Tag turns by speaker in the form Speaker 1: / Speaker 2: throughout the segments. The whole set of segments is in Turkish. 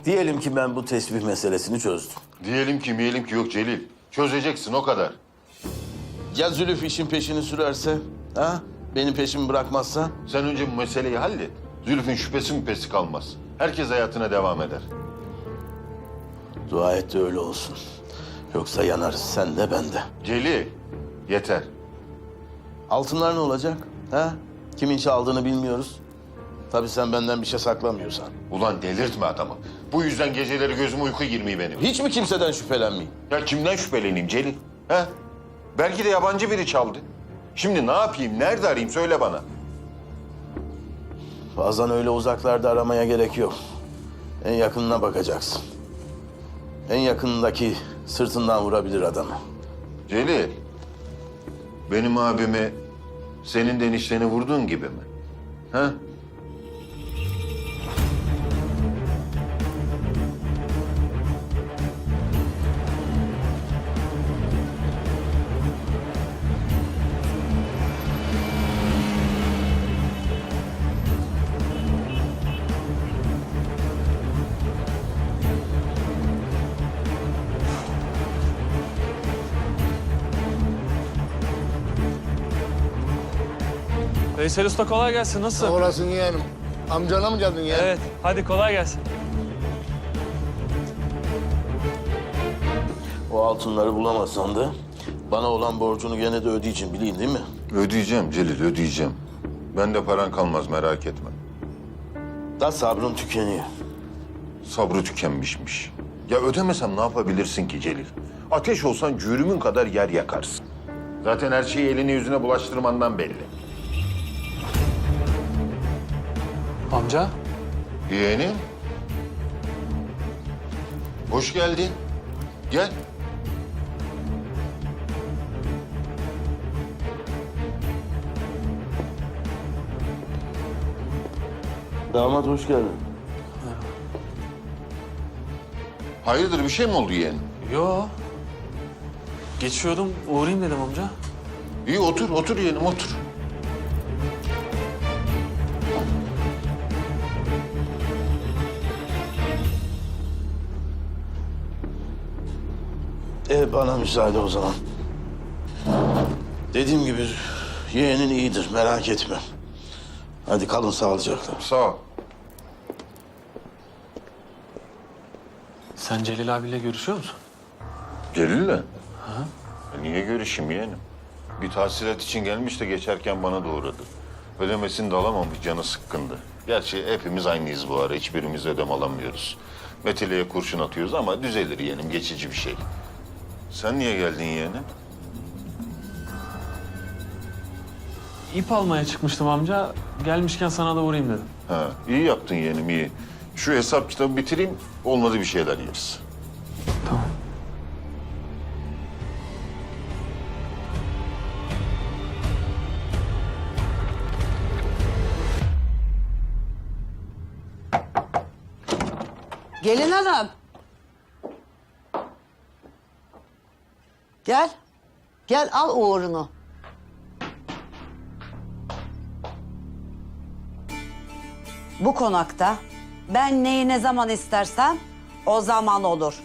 Speaker 1: Diyelim ki ben bu tesbih meselesini çözdüm.
Speaker 2: Diyelim ki miyelim ki yok Celil. Çözeceksin o kadar.
Speaker 1: Ya Zülüf işin peşini sürerse? Ha? Benim peşimi bırakmazsa?
Speaker 2: Sen önce bu meseleyi hallet. Zülfü'nün şüphesi müphesi kalmaz. Herkes hayatına devam eder.
Speaker 1: Dua et de öyle olsun. Yoksa yanarız sen de ben de.
Speaker 2: Celil, yeter.
Speaker 1: Altınlar ne olacak? Ha? Kimin çaldığını bilmiyoruz. Tabii sen benden bir şey saklamıyorsan.
Speaker 2: Ulan delirtme adamı. Bu yüzden geceleri gözüme uyku girmiyor benim.
Speaker 1: Hiç mi kimseden şüphelenmeyeyim?
Speaker 2: Ya kimden şüpheleneyim Celil? He? Belki de yabancı biri çaldı. Şimdi ne yapayım, nerede arayayım söyle bana.
Speaker 1: Bazen öyle uzaklarda aramaya gerek yok. En yakınına bakacaksın. En yakınındaki sırtından vurabilir adamı.
Speaker 2: Celil, benim abimi senin de enişteni vurduğun gibi mi? He?
Speaker 3: Veysel Usta kolay gelsin. Nasılsın?
Speaker 4: Sağ olasın yeğenim. Amcana mı geldin yeğenim?
Speaker 3: Evet. Hadi kolay gelsin.
Speaker 1: O altınları bulamazsan da bana olan borcunu gene de ödeyeceksin, bileyim değil mi?
Speaker 2: Ödeyeceğim Celil, ödeyeceğim. Bende paran kalmaz, merak etme.
Speaker 1: Da sabrım tükeniyor.
Speaker 2: Sabrı tükenmişmiş. Ya ödemesem ne yapabilirsin ki Celil? Ateş olsan cürümün kadar yer yakarsın. Zaten her şeyi eline yüzüne bulaştırmandan belli.
Speaker 3: Amca.
Speaker 2: Yeğenim. Hoş geldin. Gel.
Speaker 1: Damat hoş geldin.
Speaker 2: Hayırdır bir şey mi oldu yeğenim?
Speaker 3: Yo. Geçiyordum. Uğrayayım dedim amca.
Speaker 2: İyi otur, otur yeğenim otur.
Speaker 1: Bana müsaade o zaman. Dediğim gibi yeğenin iyidir, merak etme. Hadi kalın sağlıcakla.
Speaker 2: Sağ ol.
Speaker 3: Sen Celil abiyle görüşüyor musun?
Speaker 2: Celil'le? Niye görüşeyim yeğenim? Bir tahsilat için gelmiş de geçerken bana da uğradı. Ödemesini de alamamış, canı sıkkındı. Gerçi hepimiz aynıyız bu ara, hiçbirimiz ödeme alamıyoruz. Meteleye kurşun atıyoruz ama düzelir yeğenim, geçici bir şey. Sen niye geldin yeğenim?
Speaker 3: İp almaya çıkmıştım amca. Gelmişken sana da uğrayayım dedim.
Speaker 2: Ha, iyi yaptın yeğenim, iyi. Şu hesap kitabı bitireyim, olmadı bir şeyler yeriz.
Speaker 3: Tamam.
Speaker 5: Gelin hanım. Gel. Gel al uğurunu. Bu konakta ben neyi ne zaman istersem o zaman olur.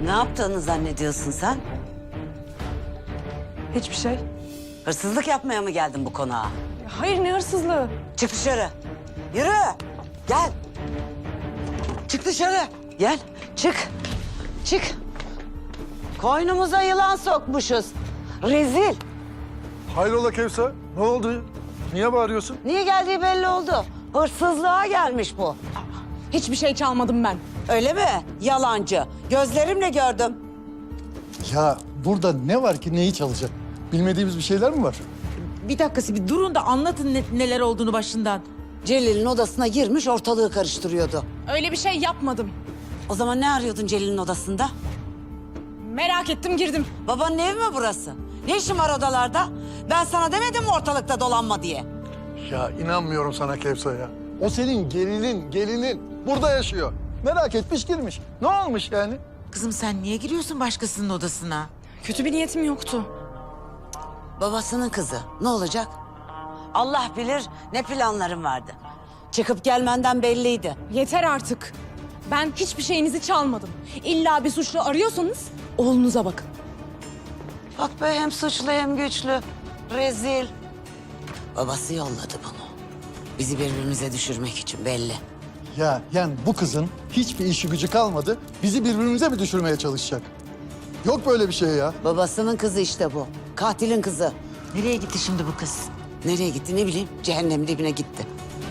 Speaker 5: Ne yaptığını zannediyorsun sen?
Speaker 6: Hiçbir şey.
Speaker 5: Hırsızlık yapmaya mı geldin bu konağa?
Speaker 6: Hayır, ne hırsızlığı?
Speaker 5: Çık dışarı. Yürü. Gel. Çık dışarı. Gel. Çık. Çık. Koynumuza yılan sokmuşuz. Rezil.
Speaker 7: Hayrola Kevser? Ne oldu? Niye bağırıyorsun?
Speaker 5: Niye geldiği belli oldu. Hırsızlığa gelmiş bu.
Speaker 6: Hiçbir şey çalmadım ben.
Speaker 5: Öyle mi? Yalancı. Gözlerimle gördüm.
Speaker 7: Ya burada ne var ki neyi çalacak? Bilmediğimiz bir şeyler mi var?
Speaker 8: Bir dakika, bir durun da anlatın neler olduğunu başından.
Speaker 5: Celil'in odasına girmiş ortalığı karıştırıyordu.
Speaker 6: Öyle bir şey yapmadım.
Speaker 5: O zaman ne arıyordun Celil'in odasında?
Speaker 6: Merak ettim, girdim.
Speaker 5: Babanın evi mi burası? Ne işin var odalarda? Ben sana demedim mi ortalıkta dolanma diye?
Speaker 7: Ya inanmıyorum sana Kevser ya. O senin gelinin. Burada yaşıyor. Merak etmiş girmiş. Ne olmuş yani?
Speaker 8: Kızım sen niye giriyorsun başkasının odasına?
Speaker 6: Kötü bir niyetim yoktu.
Speaker 5: Babasının kızı. Ne olacak? Allah bilir ne planların vardı. Çıkıp gelmenden belliydi.
Speaker 6: Yeter artık. Ben hiçbir şeyinizi çalmadım. İlla bir suçlu arıyorsanız oğlunuza bakın.
Speaker 5: Bak be hem suçlu hem güçlü. Rezil. Babası yolladı bunu. Bizi birbirimize düşürmek için belli.
Speaker 7: Ya yani bu kızın hiçbir işi gücü kalmadı. Bizi birbirimize mi düşürmeye çalışacak? Yok böyle bir şey ya.
Speaker 5: Babasının kızı işte bu. Katilin kızı.
Speaker 8: Nereye gitti şimdi bu kız?
Speaker 5: Nereye gitti ne bileyim. Cehennem dibine gitti.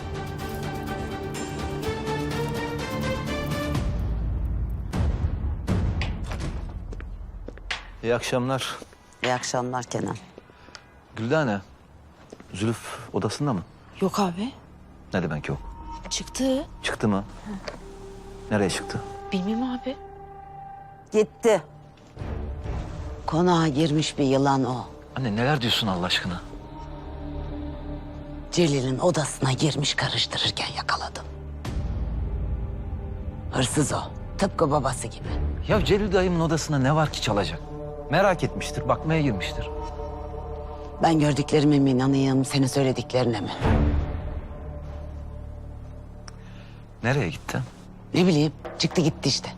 Speaker 9: İyi akşamlar.
Speaker 5: İyi akşamlar Kenan.
Speaker 9: Güldane, Zülüf odasında mı?
Speaker 8: Yok abi.
Speaker 9: Ne demek yok?
Speaker 8: Çıktı.
Speaker 9: Çıktı mı? Nereye çıktı?
Speaker 8: Bilmem abi.
Speaker 5: Gitti. Konağa girmiş bir yılan o.
Speaker 9: Anne neler diyorsun Allah aşkına?
Speaker 5: Celil'in odasına girmiş karıştırırken yakaladım. Hırsız o. Tıpkı babası gibi.
Speaker 9: Ya Celil dayımın odasında ne var ki çalacak? Merak etmiştir, bakmaya girmiştir.
Speaker 5: Ben gördüklerime mi inanayım, senin söylediklerine mi?
Speaker 9: Nereye gitti?
Speaker 5: Ne bileyim, çıktı gitti işte.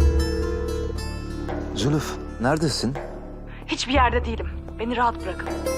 Speaker 9: Zülüf, neredesin?
Speaker 6: Hiçbir yerde değilim. Beni rahat bırakın.